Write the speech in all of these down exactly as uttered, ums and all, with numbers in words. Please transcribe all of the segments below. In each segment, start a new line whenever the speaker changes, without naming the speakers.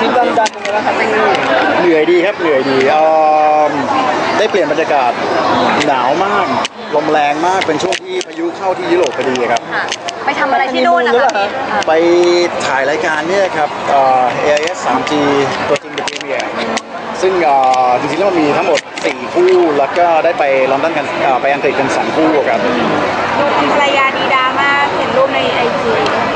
ริปลอนดอนเป็นไงบ้างครับพี่
เหนื่อยดีครับเหนื่อยดีเอ่อได้เปลี่ยนบรรยากาศหนาวมากลมแรงมากเป็นช่วงที่พายุเข้าที่ยุโรปพอดีครับ
ไปทำอะไรที่นู่นนะคะพี่
ไปถ่ายรายการเนี่ยครับเอ่อ เอ ไอ เอส ทรี จี ตัวจริงเป็นพรีเมียร์ซึ่งเอ่อจริงๆแล้วมันมีทั้งหมดสี่คู่แล้วก็ได้ไปลอนดอนกันเอ่อไปอังกฤษกันสองคู่ครับ
ภรรยาดีดามากเห็นรูปในไอจี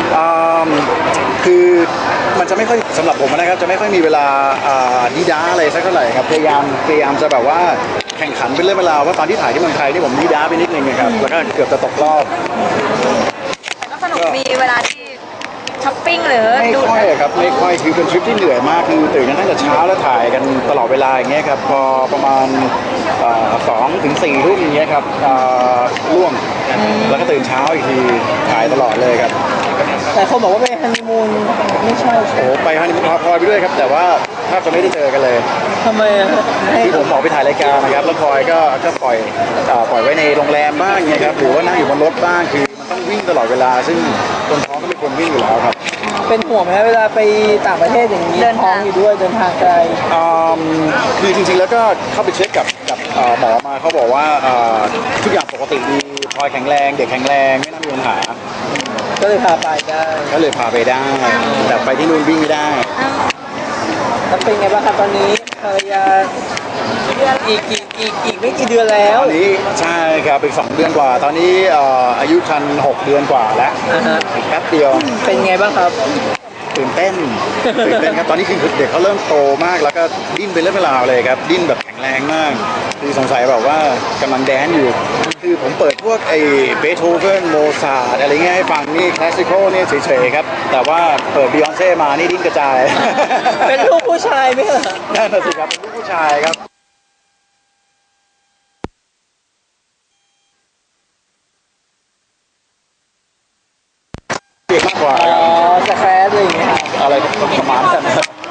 คือมันจะไม่ค่อยสำหรับผมนะครับจะไม่ค่อยมีเวลาดีด้าอะไรสักเท่าไหร่ครับพยายามพยายามจะแบบว่าแข่งขันเป็นเรื่องเวลาว่าตอนที่ถ่ายที่เมืองไทยนี่ผมดีด้าไปนิดนึงนะครับแล้วก็เกือบจะตกรอบ
ก็สนุกมีเวลาที่ช้อปปิ้งหรือ
ไม่ค่อยครับไม่ค่อยคือเป็นทริปที่เหนื่อยมากคือตื่นกันตั้งแต่เช้าแล้วถ่ายกันตลอดเวลาอย่างเงี้ยครับพอประมาณสองถึงสี่ทุ่มอย่างเงี้ยครับร่วงแล้วก็ตื่นเช้าอีกทีถ่ายตลอดเลยครับ
แต่คนบอกว่าไปฮันนีมูนไม่ใช่
โอ้ไปฮันนีมูนพาพลอยไปด้วยครับแต่ว่าถ้าจะไม่ได้เจอกันเลย
ทำไม
ที่ผมบอกไปถ่ายรายการนะครับแล้วพลอยก็ก็ปล่อยปล่อยไว้ในโรงแรมบ้างเงี้ยครับหรือว่านั่งอยู่บนรถบ้างคือมันต้องวิ่งตลอดเวลาซึ่งคนท้องก็ไม่ควรวิ่งอยู่แล้วครับ
เป็นห่วงไหมเวลาไปต่างประเทศอย่างนี้ท้องอยู่ด้วยเดินทางไกล
คือจริงๆแล้วก็เข้าไปเช็คกับกับหมอมาเขาบอกว่าทุกอย่างปกติดีพลอยแข็งแรงเด็กแข็งแรงไม่น่ามีปัญหา
ก็เลยพาไปได้
ก็เลยพาไปได้แต่ไปที่นู่นวิ่งไม่ได้
แล้วเป็นไงบ้างครับตอนนี้ภรรยาอีกอีกอีกอีกไม่กี่เดือนแล้ว
ตอนนี้ใช่ครับอีกสองเดือนกว่าตอนนี้อายุครรภ์หกเดือนกว่าแล้วอีกแป๊บเดียว
เป็นไงบ้างครับ
ตื่นเต้นตื่นเต้นครับตอนนี้คือเด็กเขาเริ่มโตมากแล้วก็ดิ้นเป็นเรื่องเวลาเลยครับดิ้นแบบแข็งแรงมากคือสงสัยแบบว่ากำลังแดนอยู่คือผมเปิดพวกไอ้เบโธเฟนโมซาร์ทอะไรเงี้ยให้ฟังนี่คลาสสิคอลนี่เฉยๆครับแต่ว่าเปิดบิยอนเซ่มานี่ดิ้นกระจาย
เป็นลูกผู้ชายไหมเหรอ
นั่นสิครับเป็นลูกผู้ชายครับเด็กมากกว่า
อ๋อสแครดอะไรอย่างเงี้ย
อะไรประมาณนั้น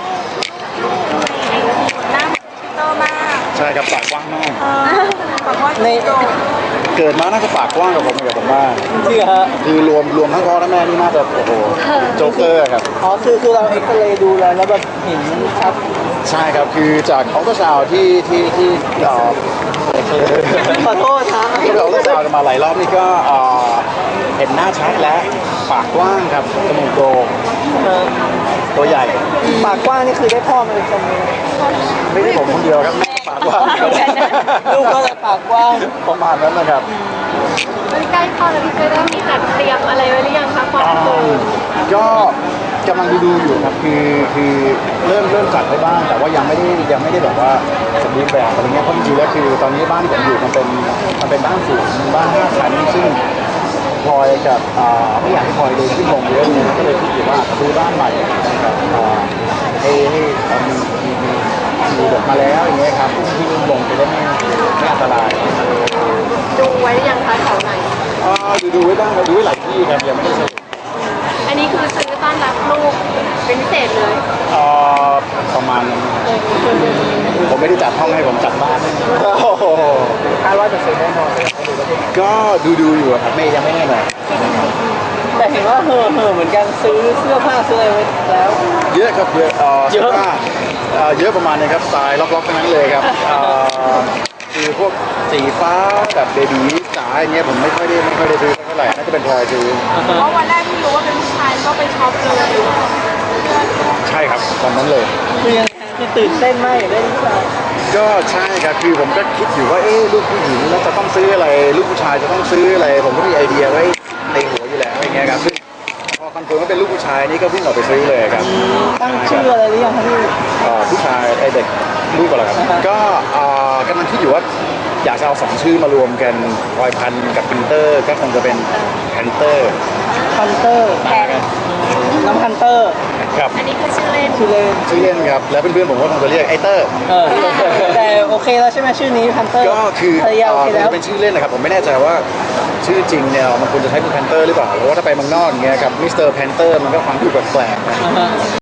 ใช่ครับปากกว้างมาก
ใน
เกิดมาน่าจะปากกว้างกว่าผมกับผมมาก
จริงฮะ
คือรวมรวมทั้งพ่อทั้งแม่นี่น่าจะโอ้โหโจ๊กเกอร์ครับ
อ๋อคือคือเราเอ็กซเรย์ดูแล้วแล้วแบบเห็นชัด
ใช่ครับคือจากอัลตราซาวด์ที่ที่ที่เอ่อ
ขอโทษครับ
ที่เราอัลตราซาวด์กันมาหลายรอบนี่ก็เห็นหน้าชัดและปากกว้างครับจมูกโด่งตัวใหญ่
ปากกว้างนี่คือได้พ่อมาเป็นคนนึง
ไม่ได้ผมคนเดียวครับปากกว้าง
ลูกก็จะปากกว้าง
ประมาณนั้นนะครับ
ใกล้คลอดแล้วพี่เจได้มีจัดเตรียมอะไรไว้หรือยังคะความคือ
ก็กำลังดูดูอยู่ครับคือคือเริ่มเริ่มจัดไปบ้างแต่ว่ายังไม่ได้ยังไม่ได้แบบว่าสมบูรณ์แบบอะไรเงี้ยเพราะจริงๆแล้วคือตอนนี้บ้านที่ผมอยู่มันเป็นมันเป็นบ้านสูงบ้านห้าชั้นซึ่งพลอยกับไม่อยากให้พลอยเดินขึ้นลงเยอะเลยก็เลยคิดอยู่ว่าซื้อบ้านใหม่นะครับให้ให้มีมีมีแบบมาแล้วอย่างเงี้ยครับที่ลงจะได้ไม่ไม่อันตราย
ดูไว้ยังคะแถวไหน
อ๋อดูดูไว้บ้างดูไว้หลายที่ครับยังไม่ได้ซื้อ
อันนี้คือซื้อต้อนรับลูกเป็นพิเศษเลย
อ๋อประมาณนั้นผมไม่ได้จัดห้องให้ผมจัดบ้าน
คาดว่าจะซื้อแน่นอน
ก็ดูดูอยู่ครับไม่ยังไม่แน่นอน
แต่เห็นว่าเห่อเห่อเหมือนกันซื้อเสื้อผ้าซื้ออะไรไว้แล้ว
เยอะครับเยอะเสื้อผ้าเยอะประมาณนี้ครับสไตล์ล็อกๆทั้งนั้นเลยครับคือพวกสีฟ้าแบบเบบี้จ๋าอย่างเงี้ยผมไม่ค่อยได้ไม่ค่อยได้ซื้อเท่าไหร่น่าจะเป็นพลอยซื้อ
เพราะวันแรกที่รู้ว่าเป็นผู้ชายก็ไปช็อปเลย
ใช่ครับตอนนั้นเลย
คือยังคือตื่นเต้นมากอยากได้ลูกชาย
ก็ใช่ครับคือผมก็คิดอยู่ว่าเอ๊ะลูกผู้หญิงแล้วจะต้องซื้ออะไรลูกผู้ชายจะต้องซื้ออะไรผมก็มีไอเดียไว้ในหัวอยู่แล้วอย่างเงี้ยครับซึ่งพอคอนเฟิร์มว่าเป็นลูกผู้ชายนี่ก็วิ่งออกไปซื้อเลยครับ
ตั้งชื่ออะไรหรือยังครับพี่
ผู้ชายไอเด็กลูกก่อนละครับก็กำลังคิดอยู่ว่าอยากจะเอาสองชื่อมารวมกันพลอยพันกับพันเตอร์ก็คงจะเป็นพันเตอร์
พันเตอร์น้ำพันเตอร์
ครับ
อันนี้คือชื่อเล่น
ชื่อเล่น
ชื่อเล่นครับแล้วเพื่อนๆผมก็คงจะเรียกไอเตอร์
แต่โอเคแล้วใช่ไหมชื่อนี้พันเตอร์
ก็คือเป็นชื่อเล่นนะครับผมไม่แน่ใจว่าชื่อจริงเนี่ยมันควรจะใช้เป็นแพนเตอร์หรือเปล่าเพราะว่าถ้าไปเมืองนอกอย่างเงี้ยครับมิสเตอร์แพนเตอร์มันก็ฟังดูแปลกๆ